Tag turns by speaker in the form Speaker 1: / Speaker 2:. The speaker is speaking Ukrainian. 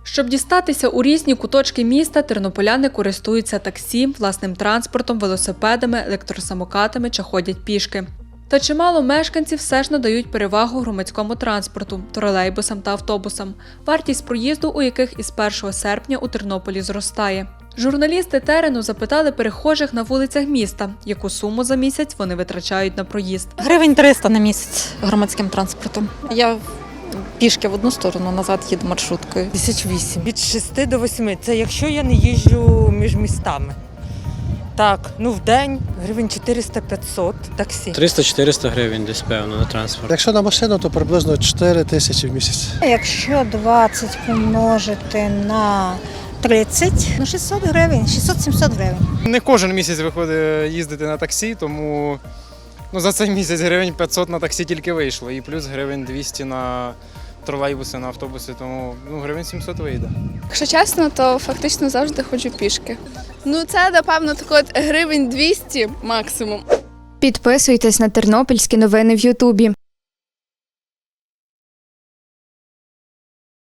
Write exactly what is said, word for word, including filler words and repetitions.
Speaker 1: Щоб дістатися у різні куточки міста, тернополяни користуються таксі, власним транспортом, велосипедами, електросамокатами чи ходять пішки. Та чимало мешканців все ж надають перевагу громадському транспорту – тролейбусам та автобусам, вартість проїзду у яких із першого серпня у Тернополі зростає. Журналісти терену запитали перехожих на вулицях міста, яку суму за місяць вони витрачають на проїзд.
Speaker 2: Гривень триста на місяць громадським транспортом. Я пішки в одну сторону, назад їду маршруткою.
Speaker 3: Тисяч вісім. Від шести до восьми. Це якщо я не їжджу між містами. Так, ну в день гривень чотириста-п'ятсот таксі.
Speaker 4: триста-чотириста гривень десь, певно, на транспорт.
Speaker 5: Якщо на машину, то приблизно чотири тисячі в місяць.
Speaker 6: Якщо двадцять помножити на тридцять, ну шістсот гривень, шістсот-сімсот гривень.
Speaker 7: Не кожен місяць виходить їздити на таксі, тому ну, за цей місяць гривень п'ятсот на таксі тільки вийшло. І плюс гривень двісті на тролейбуси, на автобуси, тому ну, гривень сімсот вийде.
Speaker 8: Якщо чесно, то фактично завжди ходжу пішки. Ну це, напевно, так от гривень двісті максимум.
Speaker 9: Підписуйтесь на тернопільські новини в Ютубі.